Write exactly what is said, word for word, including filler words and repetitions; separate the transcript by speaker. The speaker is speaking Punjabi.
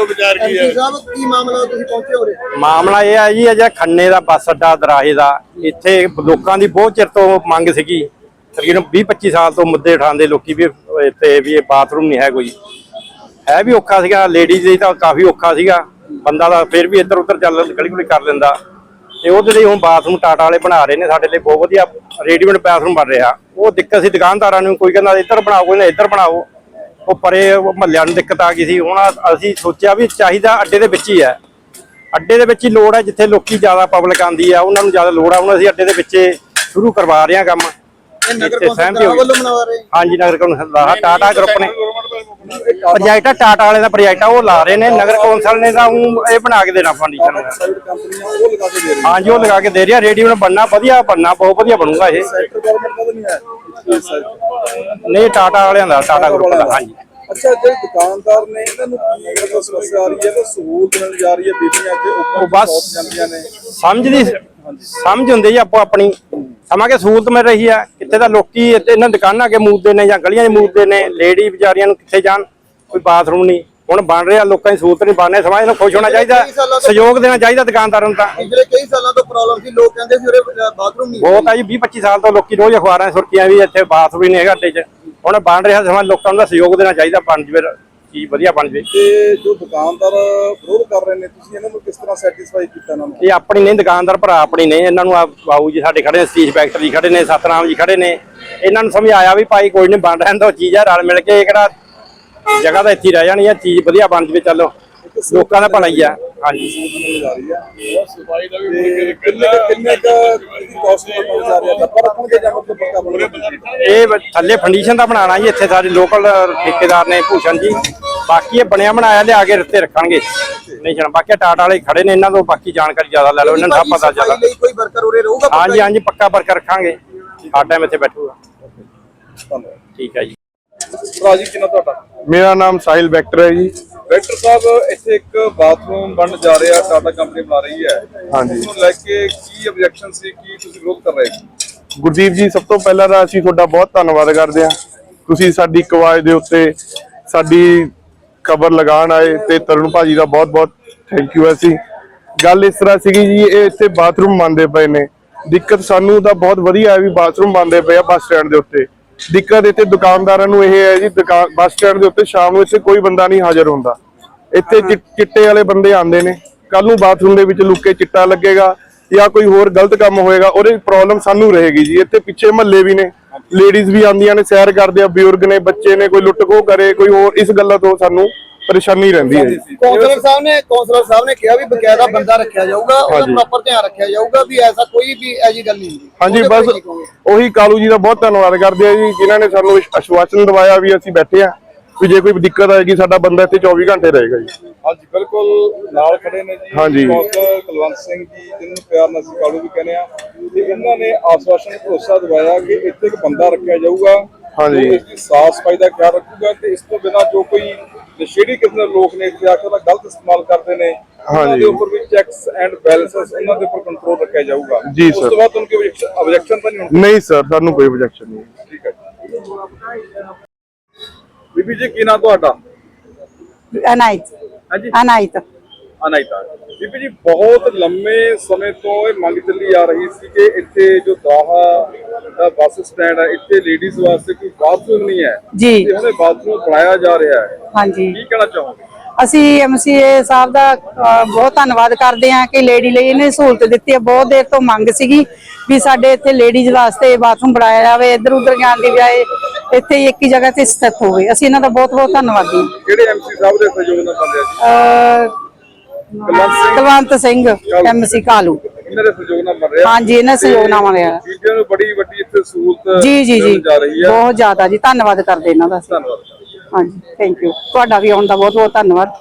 Speaker 1: ਵਿਚਾਰ ਕੀ ਹੈ
Speaker 2: ਸਾਹਿਬ ਕੀ ਮਾਮਲਾ ਤੁਸੀਂ ਪਹੁੰਚੇ ਹੋ ਰਹੇ?
Speaker 3: ਮਾਮਲਾ ਇਹ ਹੈ ਜੀ ਅਜਾ ਖੰਨੇ ਦਾ ਬੱਸ ਅੱਡਾ ਦਰਾਹੇ ਦਾ ਇੱਥੇ ਲੋਕਾਂ ਦੀ ਬਹੁਤ ਚਿਰ ਤੋਂ ਮੰਗ ਸੀਗੀ ਤਕਰੀਬਨ ਵੀਹ ਪੱਚੀ ਸਾਲ ਤੋਂ ਮੁੱਦੇ ਉਠਾਉਂਦੇ ਲੋਕੀ ਵੀ ਇੱਥੇ ਵੀ ਇਹ ਬਾਥਰੂਮ ਨਹੀਂ ਹੈ ਕੋਈ ਹੈ ਵੀ ਔਖਾ ਸੀਗਾ ਲੇਡੀਜ਼ ਲਈ ਤਾਂ ਕਾਫੀ ਔਖਾ ਸੀਗਾ ਬੰਦਾ ਦਾ ਫਿਰ ਵੀ ਇੱਧਰ ਉੱਧਰ ਚੱਲ ਗਲੀ ਗੁਲੀ ਕਰ ਲੈਂਦਾ ਤੇ ਉਹਦੇ ਲਈ ਹੁਣ ਬਾਥਰੂਮ ਟਾਟਾ ਵਾਲੇ ਬਣਾ ਰਹੇ ਨੇ ਸਾਡੇ ਲਈ ਬਹੁਤ ਵਧੀਆ ਰੈਡੀਮੇਡ ਬਾਥਰੂਮ ਬਣ ਰਿਹਾ ਉਹ ਦਿੱਕਤ ਸੀ ਦੁਕਾਨਦਾਰਾਂ ਨੂੰ ਕੋਈ ਕਹਿੰਦਾ ਇੱਧਰ ਬਣਾਓ ਕੋਈ ਨਾ ਇੱਧਰ ਬਣਾਓ ਉਹ ਪਰੇ ਮਹੱਲਿਆਂ ਨੂੰ ਦਿੱਕਤ ਆ ਗਈ ਸੀ ਹੁਣ ਅਸੀਂ ਸੋਚਿਆ ਵੀ ਚਾਹੀਦਾ ਅੱਡੇ ਦੇ ਵਿੱਚ ਹੀ ਹੈ ਅੱਡੇ ਦੇ ਵਿੱਚ ਹੀ ਲੋੜ ਹੈ ਜਿੱਥੇ ਲੋਕੀ ਜ਼ਿਆਦਾ ਪਬਲਿਕ ਆਉਂਦੀ ਆ ਉਹਨਾਂ ਨੂੰ ਜ਼ਿਆਦਾ ਲੋੜ ਆ ਹੁਣ ਅਸੀਂ ਅੱਡੇ ਦੇ ਵਿੱਚ ਸ਼ੁਰੂ ਕਰਵਾ ਰਹੇ ਹਾਂ ਕੰਮ ਹਾਂਜੀ ਨਗਰ ਕੌਂਸਲ ਦਾ ਟਾਟਾ ਗਰੁੱਪ ਨੇ ਪ੍ਰੋਜੈਕਟ ਟਾਟਾ ਵਾਲੇ ਦਾ ਪ੍ਰੋਜੈਕਟ ਆ ਉਹ ਲਾ ਰਹੇ ਨੇ ਨਗਰ ਕੌਂਸਲ ਨੇ ਤਾਂ ਇਹ ਬਣਾ ਕੇ ਦੇਣਾ ਫਰਨੀਚਰ ਹਾਂਜੀ ਉਹ ਲਗਾ ਕੇ ਦੇ ਰਿਹਾ ਰੈਡੀਮੇਡ ਬਣਨਾ ਵਧੀਆ ਬਣਨਾ ਬਹੁਤ ਵਧੀਆ ਬਣੂਗਾ ਇਹ ਨਹੀਂ ਟਾਟਾ ਵਾਲਿਆਂ ਦਾ ਟਾਟਾ ਗਰੁੱਪ ਦਾ ਹਾਂਜੀ
Speaker 1: ਅੱਛਾ ਜਿਹੜੇ ਦੁਕਾਨਦਾਰ ਨੇ ਇਹਨਾਂ ਨੂੰ ਕੀ ਮਤਲਬ ਸਮੱਸਿਆ ਆ ਰਹੀ ਹੈ ਤਾਂ ਸਹੂਲਤ ਮਿਲ ਜਾ ਰਹੀ ਹੈ ਬੀਬੀਆਂ ਤੇ
Speaker 3: ਉਹ ਬਸ ਸਮਝਦੀ ਸਮਝ ਹੁੰਦੀ ਜੀ ਆਪੋ ਆਪਣੀ ਸਮਾਂ ਕੇ ਸਹੂਲਤ ਮਿਲ ਰਹੀ ਹੈ ਕਿੱਥੇ ਤਾਂ ਲੋਕੀ ਇਹਨਾਂ ਦੁਕਾਨਾਂ ਅੱਗੇ ਮੂਦਦੇ ਨੇ ਜਾਂ ਗਲੀਆਂ 'ਚ ਮੂਦਦੇ ਨੇ ਲੇਡੀ ਵਿਚਾਰੀਆਂ ਨੂੰ ਕਿੱਥੇ ਜਾਣ ਕੋਈ ਬਾਥਰੂਮ ਨਹੀਂ ਹੁਣ ਬਣ ਰਿਹਾ ਲੋਕਾਂ ਦੀ ਸਹੂਲਤ ਨਹੀਂ ਬਣ ਰਹੀ ਸਮਾਜ ਨੂੰ ਖੁਸ਼ ਹੋਣਾ ਚਾਹੀਦਾ ਸਹਿਯੋਗ ਦੇਣਾ ਚਾਹੀਦਾ ਦੁਕਾਨਦਾਰਾਂ ਨੂੰ ਤਾਂ
Speaker 2: ਪਿਛਲੇ ਕਈ ਸਾਲਾਂ ਤੋਂ ਪ੍ਰੋਬਲਮ ਸੀ ਲੋਕ ਕਹਿੰਦੇ ਸੀ ਉਰੇ ਬਾਥਰੂਮ ਨਹੀਂ
Speaker 3: ਬਹੁਤ ਆ ਜੀ ਵੀਹ ਪੱਚੀ ਸਾਲ ਤੋਂ ਲੋਕੀ ਰੋਜ਼ ਅਖਬਾਰਾਂ ਸੁਰਖੀਆਂ ਵੀ ਇੱਥੇ ਬਾਥਰੂਮ ਨਹੀਂ ਹੈਗਾ ਅੱਡੇ 'ਚ ਹੁਣ ਬਣ ਰਿਹਾ ਸਮਾਂ ਲੋਕਾਂ ਨੂੰ ਸਹਿਯੋਗ ਦੇਣਾ ਚਾਹੀਦਾ ਬਣ ਜਵੇ ਚੀਜ਼ ਵਧੀਆ ਬਣ ਜਵੇ
Speaker 1: ਤੇ ਜੋ ਦੁਕਾਨਦਾਰ ਵਿਰੋਧ ਕਰ ਰਹੇ ਨੇ ਤੁਸੀਂ ਇਹਨਾਂ ਨੂੰ ਕਿਸ ਤਰ੍ਹਾਂ ਸੈਟੀਸਫਾਈ ਕੀਤਾ ਇਹਨਾਂ ਨੂੰ
Speaker 3: ਇਹ ਆਪਣੀ ਨਹੀਂ ਦੁਕਾਨਦਾਰ ਭਰਾ ਆਪਣੀ ਨਹੀਂ ਇਹਨਾਂ ਨੂੰ ਆ ਬਾਬੂ ਜੀ ਸਾਡੇ ਖੜੇ ਨੇ ਸਤੀਸ਼ ਫੈਕਟਰੀ ਖੜੇ ਨੇ ਸਤਨਾਮ ਜੀ ਖੜੇ ਨੇ ਇਹਨਾਂ ਨੂੰ ਸਮਝਾਇਆ ਵੀ ਭਾਈ ਕੋਈ ਨਹੀਂ ਬਣ ਰਹਿਣ ਦੋ ਚੀਜ਼ ਆ ਰਲ ਮਿਲ ਕੇ ਕਿਹੜਾ ਜਗ੍ਹਾ ਤਾਂ ਇੱਥੇ ਰਹਿ ਜਾਣੀ ਆ ਚੀਜ਼ ਵਧੀਆ ਬਣ ਜਵੇ ਚੱਲੋ ਲੋਕਾਂ ਦਾ ਭਲਾ ਹੀ ਆ ਹਾਂਜੀ ਇਹ ਥੱਲੇ ਫੰਡੀਸ਼ਨ ਦਾ ਬਣਾਉਣਾ ਜੀ ਇੱਥੇ ਸਾਡੇ ਲੋਕਲ ਠੇਕੇਦਾਰ ਨੇ ਭੂਸ਼ਣ ਜੀ ਬਾਕੀ ਇਹ ਬਣਿਆ ਬਣਾਇਆ ਲਿਆ ਕੇ ਰੱਤੇ ਰੱਖਣਗੇ ਨਹੀਂ ਜਾਣਾ ਬਾਕੀ ਟਾਟਾ ਵਾਲੇ ਖੜੇ ਨੇ ਇਹਨਾਂ ਤੋਂ ਬਾਕੀ ਜਾਣਕਾਰੀ ਜ਼ਿਆਦਾ ਲੈ ਲਓ ਇਹਨਾਂ ਨੂੰ ਸਭ ਪਤਾ ਜ਼ਿਆਦਾ
Speaker 2: ਕੋਈ ਵਰਕਰ ਉਰੇ ਰਹੂਗਾ
Speaker 3: ਹਾਂਜੀ ਹਾਂਜੀ ਪੱਕਾ ਵਰਕਰ ਰੱਖਾਂਗੇ ਹਰ ਟਾਈਮ ਇੱਥੇ ਬੈਠੂਗਾ ਠੀਕ ਹੈ ਜੀ
Speaker 1: ਰਾਜੀ ਕਿੰਨਾ ਤੁਹਾਡਾ
Speaker 4: ਮੇਰਾ ਨਾਮ ਸਾਹਿਲ ਵੈਕਟਰ ਹੈ ਜੀ
Speaker 1: ਵੈਕਟਰ ਸਾਹਿਬ ਇੱਥੇ ਇੱਕ ਬਾਥਰੂਮ ਬਣਨ ਜਾ ਰਿਹਾ ਟਾਟਾ ਕੰਪਨੀ ਬਣਾ ਰਹੀ ਹੈ
Speaker 4: ਹਾਂਜੀ
Speaker 1: ਉਸ ਨੂੰ ਲੈ ਕੇ ਕੀ ਆਬਜੈਕਸ਼ਨ ਸੀ ਕੀ ਤੁਸੀਂ ਵਿਰੋਧ ਕਰ ਰਹੇ ਸੀ
Speaker 4: ਗੁਰਦੀਪ ਜੀ ਸਭ ਤੋਂ ਪਹਿਲਾਂ ਤਾਂ ਅਸੀਂ ਤੁਹਾਡਾ ਬਹੁਤ ਧੰਨਵਾਦ ਕਰਦੇ ਹਾਂ ਤੁਸੀਂ ਸਾਡੀ ਇੱਕ ਆਵਾਜ਼ ਦੇ ਉੱਤੇ ਸਾਡੀ ਖਬਰ ਲਗਾਉਣ ਆਏ ਤੇ ਤਰੁਣ ਭਾਜੀ ਦਾ ਬਹੁਤ ਬਹੁਤ ਥੈਂਕ ਯੂ। ਅਸੀਂ ਗੱਲ ਇਸ ਤਰ੍ਹਾਂ ਸੀਗੀ ਜੀ ਇਹ ਇੱਥੇ ਬਾਥਰੂਮ ਬਣਦੇ ਪਏ ਨੇ ਦਿੱਕਤ ਸਾਨੂੰ ਤਾਂ ਬਹੁਤ ਵਧੀਆ ਹੈ ਵੀ ਬਾਥਰੂਮ ਬਣਦੇ ਪਏ ਆ ਬੱਸ ਸਟੈਂਡ ਦੇ ਉੱਤੇ ਦਿੱਕਤ ਇੱਥੇ ਦੁਕਾਨਦਾਰਾਂ ਨੂੰ ਇਹ ਹੈ ਜੀ ਦੁਕਾਨ ਬੱਸ ਸਟੈਂਡ ਦੇ ਉੱਤੇ ਸ਼ਾਮ ਨੂੰ ਇੱਥੇ ਕੋਈ ਬੰਦਾ ਨਹੀਂ ਹਾਜ਼ਰ ਹੁੰਦਾ ਇੱਥੇ ਚਿੱਟੇ ਵਾਲੇ ਬੰਦੇ ਆਉਂਦੇ ਨੇ ਕੱਲ ਨੂੰ ਬਾਥਰੂਮ ਦੇ ਵਿੱਚ ਲੁੱਕ ਕੇ ਚਿੱਟਾ ਲੱਗੇਗਾ ਜਾਂ ਕੋਈ ਹੋਰ ਗਲਤ ਕੰਮ ਹੋਏਗਾ ਉਹਦੀ ਪ੍ਰੋਬਲਮ ਸਾਨੂੰ ਰਹੇਗੀ ਜੀ ਇੱਥੇ ਪਿੱਛੇ ਮਹੱਲੇ ਵੀ ਨੇ ਲੇਡੀਜ਼ ਵੀ ਆਉਂਦੀਆਂ ਨੇ ਸੈਰ ਕਰਦੇ ਆ ਬਜ਼ੁਰਗ ਨੇ ਬੱਚੇ ਨੇ ਕੋਈ ਲੁੱਟ ਖੋਹ ਕਰੇ ਕੋਈ ਹੋਰ ਇਸ ਗੱਲਾਂ ਤੋਂ ਸਾਨੂੰ ਪਰੇਸ਼ਾਨੀ ਰਹਿੰਦੀ ਹੈ
Speaker 2: ਕੌਂਸਲਰ ਸਾਹਿਬ ਨੇ ਕੌਂਸਲਰ ਸਾਹਿਬ ਨੇ ਕਿਹਾ ਵੀ ਬਕਾਇਦਾ ਬੰਦਾ ਰੱਖਿਆ ਜਾਊਗਾ ਉਹਦਾ ਪ੍ਰੋਪਰ ਧਿਆਨ ਰੱਖਿਆ ਜਾਊਗਾ ਵੀ ਐਸਾ ਕੋਈ ਵੀ ਐਜੀ ਗੱਲ ਨਹੀਂ ਹੁੰਦੀ
Speaker 4: ਹਾਂਜੀ ਬਸ ਉਹੀ ਕਾਲੂ ਜੀ ਦਾ ਬਹੁਤ ਧੰਨਵਾਦ ਕਰਦੇ ਆ ਜੀ ਜਿਨ੍ਹਾਂ ਨੇ ਸਾਨੂੰ ਆਸ਼ਵਾਸਨ ਦਵਾਇਆ ਵੀ ਅਸੀਂ ਬੈਠੇ ਆ ਵੀ ਜੇ ਕੋਈ ਦਿੱਕਤ ਆਏਗੀ ਸਾਡਾ ਬੰਦਾ ਇੱਥੇ ਚੌਵੀ ਘੰਟੇ ਰਹੇਗਾ ਜੀ
Speaker 1: ਹਾਂਜੀ ਬਿਲਕੁਲ ਨਾਲ ਖੜੇ ਨੇ ਜੀ
Speaker 4: ਹਾਂਜੀ
Speaker 1: ਕੁਲਵੰਤ ਸਿੰਘ ਜੀ ਜਿਹਨੂੰ ਪਿਆਰ ਨਾਲ ਅਸੀਂ ਕਾਲੂ ਵੀ ਕਹਿੰਦੇ ਆ ਤੇ ਇਹਨਾਂ ਨੇ ਆਸ਼ਵਾਸਨ ਭਰੋਸਾ ਦਵਾਇਆ ਕਿ ਇੱਥੇ ਇੱਕ ਬੰਦਾ ਰੱਖਿਆ ਜਾਊਗਾ
Speaker 4: ਹਾਂਜੀ
Speaker 1: ਇਸ ਦੀ ਸਾਫ਼ ਸਫਾਈ ਦਾ ਖਿਆਲ ਰੱਖੂਗਾ ਤੇ ਇਸ ਤੋਂ ਬਿਨਾਂ ਜੋ ਕੋਈ ਨਸ਼ੇੜੀ ਕਿਸਮ ਦੇ ਲੋਕ ਨੇ ਇੱਥੇ ਆ ਕੇ ਉਹਦਾ ਗਲਤ ਇਸਤੇਮਾਲ ਕਰਦੇ ਨੇ ਉਹਨਾਂ ਦੇ ਉੱਪਰ ਵੀ ਚੈਕਸ ਐਂਡ ਬੈਲੈਂਸਸ ਉਹਨਾਂ ਦੇ ਉੱਪਰ ਕੰਟਰੋਲ ਰੱਖਿਆ ਜਾਊਗਾ
Speaker 4: ਜੀ
Speaker 1: ਉਸ ਤੋਂ ਬਾਅਦ ਉਹਨਾਂ ਕੋਈ ਆਬਜੈਕਸ਼ਨ ਤਾਂ ਨਹੀਂ ਹੋਣੀ
Speaker 4: ਨਹੀਂ ਸਰ ਸਾਨੂੰ ਕੋਈ ਆਬਜੈਕਸ਼ਨ ਨਹੀਂ
Speaker 1: ਠੀਕ ਹੈ ਬੀਬੀ ਜੀ ਕੀ ਨਾਂ ਤੁਹਾਡਾ
Speaker 5: ਅਨਾਇਤ
Speaker 1: ਹਾਂਜੀ
Speaker 5: ਅਨਾਇਤ
Speaker 1: ਅਨਾਇਤਾ ਬੀਬੀ ਜੀ ਬਹੁਤ ਲੰਮੇ ਸਮੇਂ ਤੋਂ ਇਹ ਮੰਗ ਚੱਲੀ ਆ ਰਹੀ ਸੀ ਕਿ ਇੱਥੇ ਜੋ ਦਾਹਾ ਦਾ ਬੱਸ ਸਟੈਂਡ ਹੈ ਇੱਥੇ ਲੇਡੀਜ਼ ਵਾਸਤੇ ਕੋਈ ਬਾਥਰੂਮ ਨਹੀਂ ਹੈ
Speaker 5: ਜੀ
Speaker 1: ਤੇ ਉਹਨੇ ਬਾਥਰੂਮ ਬਣਾਇਆ ਜਾ ਰਿਹਾ ਹੈ
Speaker 5: ਹਾਂਜੀ
Speaker 1: ਕੀ ਕਹਿਣਾ ਚਾਹੋਗੇ
Speaker 5: ਅਸੀਂ ਐਮਸੀਏ ਸਾਹਿਬ ਦਾ ਬਹੁਤ ਧੰਨਵਾਦ ਕਰਦੇ ਹਾਂ ਕਿ ਲੇਡੀ ਲਈ ਇਹਨੇ ਸਹੂਲਤ ਦਿੱਤੀ ਹੈ ਬਹੁਤ ਦੇਰ ਤੋਂ ਮੰਗ ਸੀਗੀ ਵੀ ਸਾਡੇ ਇੱਥੇ ਲੇਡੀਜ਼ ਵਾਸਤੇ ਬਾਥਰੂਮ ਬਣਾਇਆ ਜਾਵੇ ਇੱਧਰ ਉੱਧਰ ਜਾਣ ਦੀ ਬਜਾਏ ਇੱਥੇ ਇੱਕ ਹੀ ਜਗ੍ਹਾ ਤੇ ਸਥਿਤ ਹੋਵੇ ਅਸੀਂ ਇਹਨਾਂ ਦਾ ਬਹੁਤ ਬਹੁਤ ਧੰਨਵਾਦੀ ਹਾਂ
Speaker 1: ਕਿਹੜੇ ਐਮਸੀ ਸਾਹਿਬ ਦੇ ਸਹਿਯੋਗ ਨਾਲ ਬਣ ਰਿਹਾ ਜੀ
Speaker 5: ਕੁਲਵੰਤ ਸਿੰਘ ਐਮਸੀ ਕਾਲੂ
Speaker 1: ਇਹਨਾਂ ਦੇ ਸਹਿਯੋਗ ਨਾਲ ਬਣ ਰਿਹਾ
Speaker 5: ਹਾਂਜੀ ਇਹਨਾਂ ਸਹਿਯੋਗ ਨਾਲ ਬਣ ਰਿਹਾ
Speaker 1: ਬੀਬੀਆਂ ਨੂੰ ਬੜੀ ਵੱਡੀ ਇੱਥੇ ਸਹੂਲਤ
Speaker 5: ਜੀ ਜੀ ਜੀ
Speaker 1: ਜਾ ਰਹੀ ਹੈ
Speaker 5: ਬਹੁਤ ਜ਼ਿਆਦਾ ਜੀ ਧੰਨਵਾਦ ਕਰਦੇ ਇਹਨਾਂ ਦਾ
Speaker 1: ਧੰਨਵਾਦ
Speaker 5: ਹਾਂਜੀ ਥੈਂਕ ਯੂ ਤੁਹਾਡਾ ਵੀ ਆਉਣ ਦਾ ਬਹੁਤ ਬਹੁਤ ਧੰਨਵਾਦ।